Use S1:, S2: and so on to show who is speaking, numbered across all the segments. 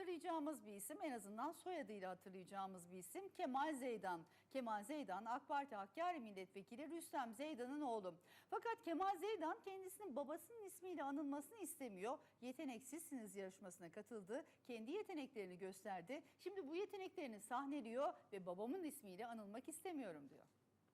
S1: hatırlayacağımız bir isim, en azından soyadıyla hatırlayacağımız bir isim Kemal Zeydan. Kemal Zeydan AK Parti Hakkari Milletvekili Rüstem Zeydan'ın oğlu. Fakat Kemal Zeydan kendisinin babasının ismiyle anılmasını istemiyor. Yeteneksizsiniz yarışmasına katıldı. Kendi yeteneklerini gösterdi. Şimdi bu yeteneklerini sahneliyor ve babamın ismiyle anılmak istemiyorum diyor.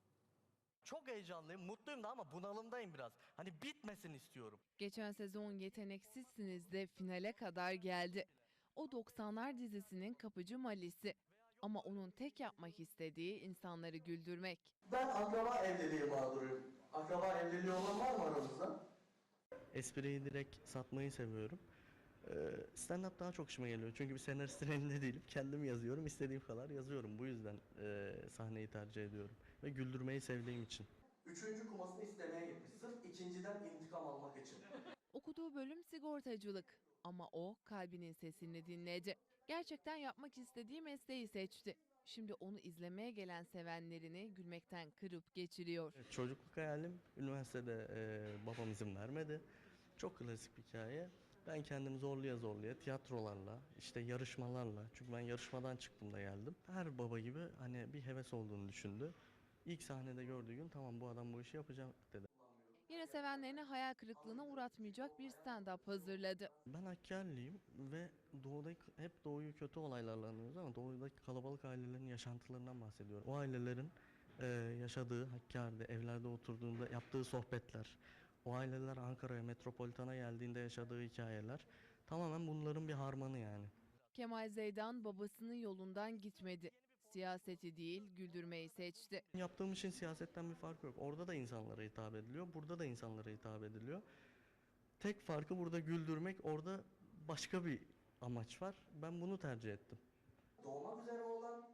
S2: Çok heyecanlıyım, mutluyum da ama bunalımdayım biraz. Hani bitmesin istiyorum.
S3: Geçen sezon Yeteneksizsiniz de finale kadar geldi. O 90'lar dizisinin kapıcı Mali'si. Ama onun tek yapmak istediği insanları güldürmek.
S4: Ben akraba evliliği mağduruyum. Akraba evliliği olan var mı aranızda?
S2: Espriyi direkt satmayı seviyorum. Stand-up daha çok işime geliyor. Çünkü bir senaristin elinde değilim. Kendim yazıyorum, istediğim kadar yazıyorum. Bu yüzden sahneyi tercih ediyorum. Ve güldürmeyi sevdiğim için.
S4: Üçüncü kumasını istemeye gitmiş. Sırf ikinciden intikam almak için.
S3: Okuduğu bölüm sigortacılık. Ama o kalbinin sesini dinledi. Gerçekten yapmak istediği mesleği seçti. Şimdi onu izlemeye gelen sevenlerini gülmekten kırıp geçiriyor.
S2: Çocukluk hayalim, üniversitede babam izin vermedi. Çok klasik bir hikaye. Ben kendimi zorluya zorluya tiyatrolarla, işte yarışmalarla, çünkü ben yarışmadan çıktım da geldim. Her baba gibi hani bir heves olduğunu düşündü. İlk sahnede gördüğü gün tamam bu adam bu işi yapacak dedi.
S3: Yine sevenlerini hayal kırıklığına uğratmayacak bir stand-up hazırladı.
S2: Ben Hakkari'liyim ve hep doğuyu kötü olaylarla anıyoruz ama doğudaki kalabalık ailelerin yaşantılarından bahsediyorum. O ailelerin yaşadığı Hakkari'de evlerde oturduğunda yaptığı sohbetler, o aileler Ankara'ya, metropolitana geldiğinde yaşadığı hikayeler tamamen bunların bir harmanı yani.
S3: Kemal Zeydan babasının yolundan gitmedi. Siyaseti değil, güldürmeyi seçti.
S2: Yaptığım işin siyasetten bir farkı yok. Orada da insanlara hitap ediliyor, burada da insanlara hitap ediliyor. Tek farkı burada güldürmek, orada başka bir amaç var. Ben bunu tercih ettim.
S4: Doğmak üzere olan